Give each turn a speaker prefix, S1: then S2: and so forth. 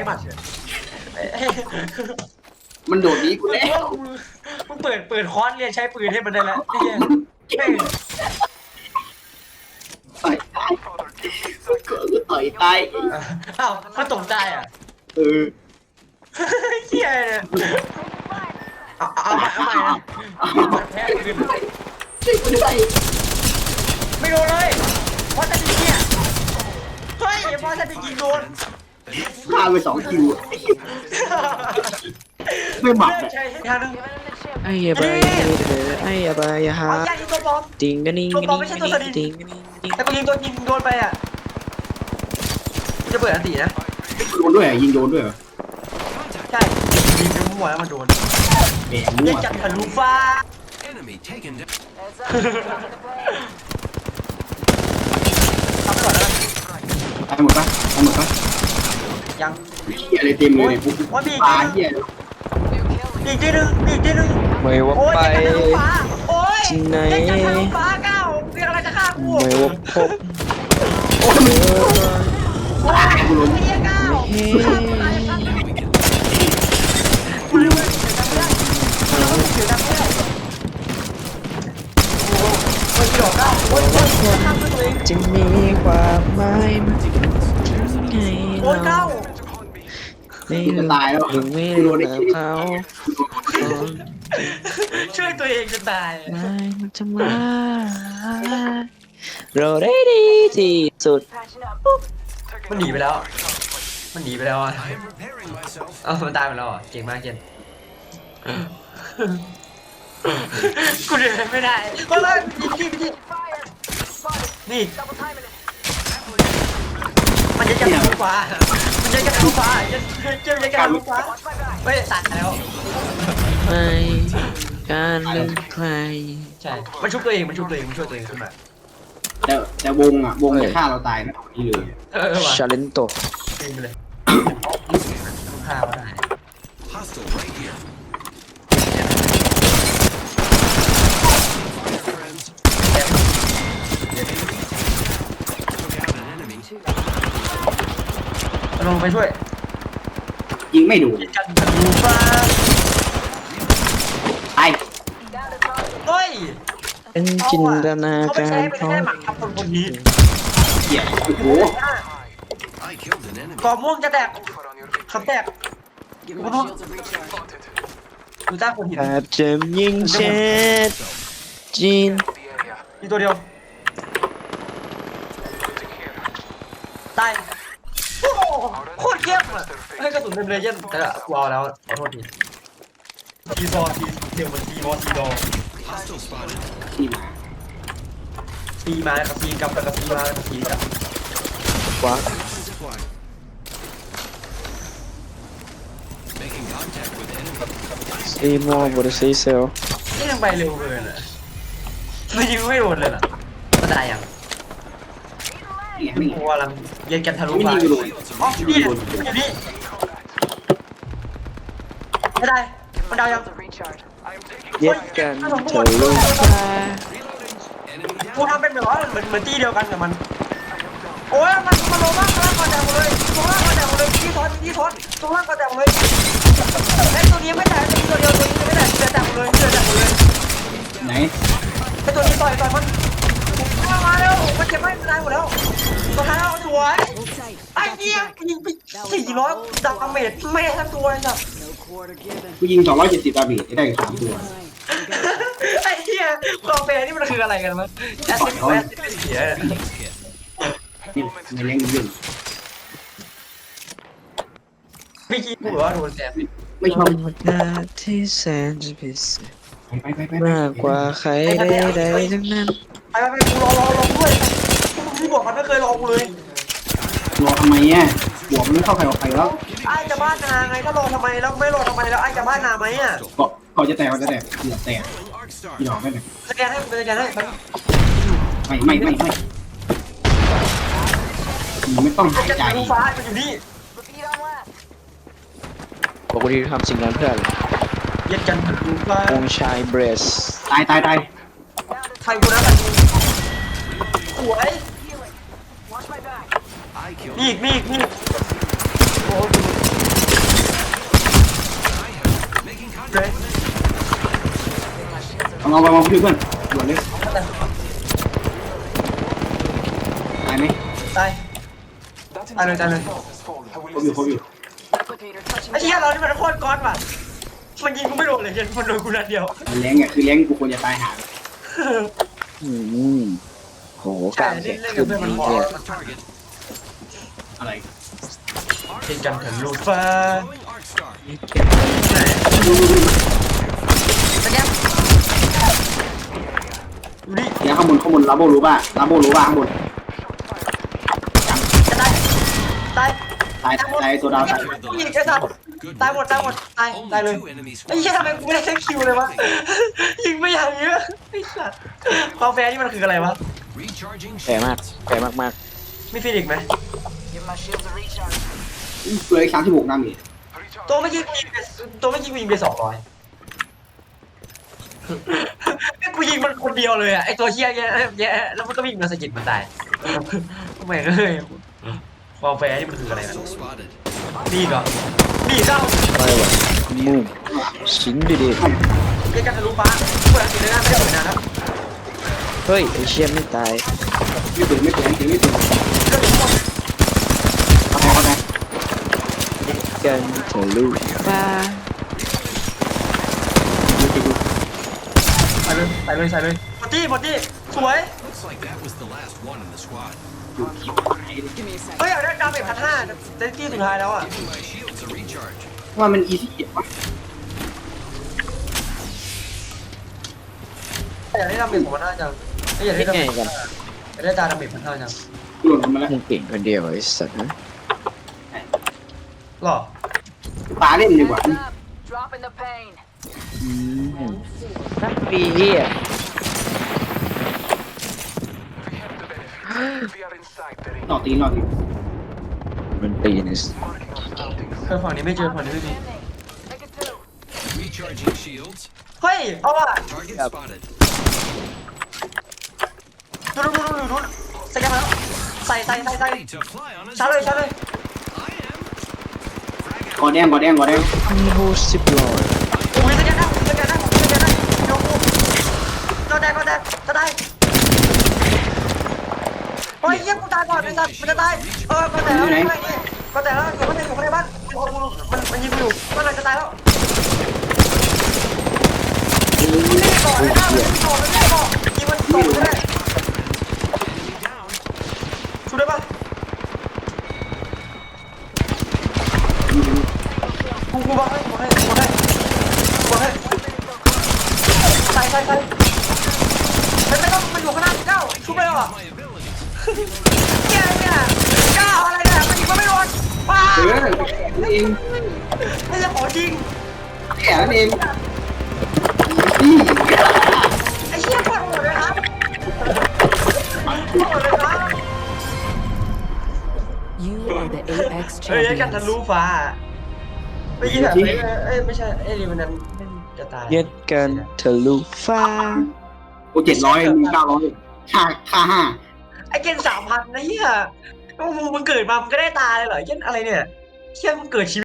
S1: หมัด
S2: มันโดดนี้กูแล้ว
S1: มึงเปิดคอร์สเรียนใช้ปืนให้มันได้แล้วไอ้เหี้ย
S2: ต่อยตายก็ต่อยตาย
S1: อ้าวมันตกใจอ่ะเหี้ยเนี่ยเอาใหม่นะแพ้ปืน
S2: ช่วยกูด้วย
S1: ไม่โดนเลยเพราะจะยิงเนี่ยเฮ้ยเพราะจะยิงโดน
S2: ฆ่าไป2 คิวไม่หมัด
S1: ใช่ทางนึง
S3: ไอ้ยาบายไอ้ยาบายฮะ
S1: เอาย่ายิงตัวบอม
S3: ติงกันนิ่ง
S1: ตัว
S3: กัน
S1: บอม
S3: นิ่
S1: ไม่
S3: ง
S1: ใช่
S3: กัน
S1: ตัว
S3: นิ่
S1: ส
S3: ง
S1: ลิง
S3: ติงกันนิ่งกันนิ่ง
S1: แต่กูยิงตัวยิงโดนไปอ่ะจะเปิดอันตีนะ
S2: โดนด้วยยิงโดนด้วย
S1: ใช่ยิงไปมั่วแล้วมันโดน
S2: แหมมั่
S1: เล่
S2: วน
S1: จัดทะลุฟ้า
S4: Enemy taken down.
S1: ทำไปก่อนแล้ว
S2: ตายหมดปะตายหมดปะ
S1: ยัง
S2: เหี้ยอะไรเต็มเลยเนี่ยปุ๊บปลาเหี้ย
S1: อีกทีนึง
S3: ไม่ว่า
S1: โอ้ย
S3: ไป
S1: จัดทะลุฟ้าโอ้ย
S3: ที่ไหน
S1: เล่นจัดทะลุฟ้าก้าวเรียกอะไรจะฆ่ากู
S3: ไม่ว่าพบ
S2: โอ้ยมึง
S1: โอ้ยกูล้มเฮียก้าว
S3: เฮ้
S1: กูลืมเลยเสียงดังไม่ได้โอ้ยดอกก้าวโอ้ยข้ามตัวเอง
S3: จะมีความหมายมันไง
S1: โอ้ยก้าว
S3: ไม่
S2: จะตายแล้ว
S3: ถึงไม่
S2: กู
S3: รู้
S2: โดนไอ้
S3: แล้
S2: เหี้
S3: วย เขา
S1: ช่วยตัวเองจะตาย
S3: ไม่มันจะมาเราได้ดีที่สุด
S1: มันหนีไปแล้วอ่ะ
S4: I am repairing myself.
S1: เอ้ามันตายไปแล้วอ่ะเก่งมากเจนกูเดินไม่ได้ก็เลยพี่นี่มันจะจับลูกฟ้ามันจะจับลูกฟ้าเจ้าจะจับลูกฟ้าไม่ตัดแล้ว
S3: ไม่การลืมใคร
S1: ใช่มันชุบตัวเองมันช่วยตัวเองขึ้นมา
S2: แต่วงจะฆ่าเราตายนะนี่เลย
S1: ว่ะ
S3: ชาเลนโต
S1: เองไปเลยฆ่าเขาได้
S4: Hostile right here. Friends,
S1: ลงไปช่วย
S2: ยิงไม่ดู
S1: กันลูกฟ้า
S2: ตาย
S1: เฮ้ย
S3: เป็นจินตนา
S1: เขาไป
S3: กา
S1: ใช้
S3: ร
S1: ไป
S3: เขา
S1: แค่หมักทับคนนี้
S2: เหี้ยโอ้โห
S4: I killed an enemy.
S1: กรอบม่วงจะแตกคำแตกกูรู้ดูจ้าคนหิน
S3: อาจจะยิงเช็ดจีน
S1: มีตัวเดียวตายโอ้โหโคตรเยี่ยมอ่ะให้กระสุนเต็มเลยเยี่ยมแต่ละกูเอาแล้วขอโทษทีทีซอทีเดียวมันทีมอทีดอ
S4: Hostile spotted.
S2: ที่มา
S1: ตีมากับตีกลับกับตีมากับตีกลับ
S3: วะ
S4: Zipline. Making contact with enemy.
S3: ซีโม่บริซีเซล
S1: นี่ยังไปเร็วเกินอ่ะมันยิงไม่โดนเลยน่ะมันตายยัง
S2: เนี่ยไม่
S1: กูกำลังเย็นกันทะลุ
S2: ไม่
S1: ฟ้า
S2: ยิงกูโดน
S1: อ๋อนี่อยู่นี่ไม่ได้มันดาวยัง
S3: เย็ดกันเถอะลูกฟ้า
S4: Enemy
S1: กูทำเป็นแบบว่าเหมือนตีเดียวกันกับมันโอ้ยมันลงมากล่างก่อนแตกหมดเลยตรงล่างก่อนแตกหมดเลยที่ทอนตรงล่างก่อนแตกหมดเลยไอ้ตัวนี้ไม่แตกตัวเดียวตัวนี้ไม่แตกเหลือแตกหมดเลยเหลือแตกหมดเลย
S2: ไหน
S1: ไอ้ตัวนี้ต่อยมันมาแล้วมันเจ็บไม่ตายหมดแล้วตัวท้ายเอาสวยไอ้เหี้ยยิงไป400ดาเมจไม่ได้ทั้งตัวเลยจ้ะ
S2: กูยิง270ดาเมจได้3 ตัว
S1: ไอ้เหี้ยความเป็นนี่มันคืออะไรกันวะแอสซิสต์เป็นเสีย
S2: นี่ในเล่นเรื่อง
S1: ไม่คิดกูว่าโดนแซม
S2: ไม่ชอบ
S3: ธรรมดาที่แสนจะพิเศษ
S2: ไป
S3: มากกว่าใครใดๆทั้งนั้น
S1: ไปกูรอด้วยกูบอกมันไม่เคยรอกูเลย
S2: รอทำไมเนี่ยบวกมันไม่เข้าใครออกใครแล้ว
S1: ไอ้จะบ้านนาไงถ้ารอทำไมแล้วไม่รอทำไมแล้วไอ้จะบ้านนาไหมอ่ะ
S2: ก็จะแตกเหลือแตก
S4: arc star.
S2: หยอกไม่ได้
S1: สแกนให้
S2: ไม่ต้องหาย
S1: จะ
S2: ใจ
S1: ดูฟ้ามันอยู่นี่
S3: ปกติทำสิ่งนั้นเพื่ออะไร
S1: เย็นกันดูฟ้า
S3: องค์ชายเบรส
S2: ตาย
S1: ใครกูนะกันสวย
S4: I killed
S1: นี่โอ้เลย
S2: เอาเพื่อนด่วนเลยตายไหม
S1: ตายตายเลย
S2: ครบอยู่
S1: ไอ้เหี้ยเรานี่มันโคตรก้อนว่ะมันยิงกูไม่โดนเลยยันมันโดนกูนัดเดียว
S2: แรงคือแรงกูควรจะตายหา
S3: โหกลางเสียงขึ้นนี่เนี่ย
S4: On target.
S2: อะไร
S1: กินกันถึงลูฟ้า
S4: Throwing Arc Star.
S1: สแกนดูดิ
S2: เดี๋ยวข้างบนลาโบรู้ป่ะข้างบน
S1: จะตายตาย
S2: ตายตัวดาวตาย
S1: ผู้หญิงไอ้สัตว์ตายหมดตายเลย
S4: Only 2 enemy
S1: ไอ้เหี้ย
S4: squads.
S1: ทำไมกูไม่ได้เซ็กคิวเลยวะยิงไม่อย่างเยอะไอ้สัตว์ความแฟร์นี่มันคืออะไรวะ
S4: Recharging
S3: แปลมาก
S4: shields.
S3: แปลมาก
S1: มีฟินิกไหม
S2: เลย36น้ำนี่
S1: ตัวไม่ยิงกูยิงไป200ไอ้กูยิงมันคนเดียวเลยอ่ะไอ้ตัวเหี้ยแย่แล้วมันก็วิ่งมาสะกิดมันตายทำไมเลยความแฟร์นี่มันคืออะไรนะ
S4: Hostile spotted.
S1: ดีก่อนดีเจ้า
S3: ๆอะไรวะมูมชิ้นดี
S1: เรียกกันทะลุฟ้าเปิดอันติดเลยนะไม่ได้เปิดนานแล้ว
S3: ๆเฮ้ยไอเชี่ยไม่ตาย
S2: ไม่ตื่น
S1: เรื่องทั้งหมด
S2: เข้าไป
S3: กันทะลุฟ้า
S1: ใส่เลยหมดที่สวย
S4: Looks like that was the last one in the squad.
S1: เฮ้ยอยากได้ดาเมจ1,500เซนตี้สุดท้ายแล้วอ่ะ
S4: Giving my shields a recharge.
S2: ว่ามันอีซี่วะ
S1: อยากได้ดาเมจ1,500จังอยากได้ดาเมจอยากได้ดาเมจ1,500จัง
S2: หล่นมาแล้ว
S3: มึงเก่งคนเดียวไอ้สัตว์นะ
S1: หรอ
S2: ปาเล่นดีกว่า
S5: Dropping the pain.
S3: นักปีเฮีย
S2: นอกตี
S3: มันตีน
S1: ฝั่งนี้ไม่เจอฝั่งนี้ไม่มี
S5: Take it two.
S4: Recharging shields.
S1: เฮ้ยเอาว่ะ
S4: Target spotted.
S1: ดูสแกนมาแล้วใส่
S4: Ready to fly on a
S1: ชาร์จเลย
S4: zip line. I am.
S2: กอแดง
S3: มีโฮสิบลอย
S1: อุ้ยสแกนได้โยกูก็ได้จะได้เฮ้ยเยี่ยมกูตายก่อนไอ้สัตว์มันจะตายก็แต่แล้วอยู่ข้างในบ้านมันยิงกูอยู่มันจะตายแล้วไม่ก่อนเลยนะไม่ก่อนยิงมันต่อไม่ได้
S4: Enemy down.
S1: ช่วยได้ปะกูบอกให้ใส่ไม่ต้องมาอยู่ข้างหน้าเก้าชุบไปหรอ
S4: My abilities.
S1: เนี่ยเก้าอะไรเนี่ยมันยิงไม่โดนป้า
S2: นั่นเอง
S1: ไม่ใช่ของจริง
S2: แก่นั่นเอง
S1: ไอ้เชี่ยปวดหัวเลยครับปวดหัวเลยครับ
S5: You are the Apex
S1: เฮ้ยกันทะลุ
S5: champions.
S1: ฟ้าไม่ยิงแบบไม่ใช่ไอ้ลิมันนั้นจะตาย
S3: เย็ดกันทะลุฟ้า
S2: กู700มึง900ค่า5
S1: ไอ้เกณฑ์3,000นะเฮียมึงเกิดมามึงก็ได้ตายเลยเหรอเกณฑ์อะไรเนี่ยเชี่ยมึงเกิดชี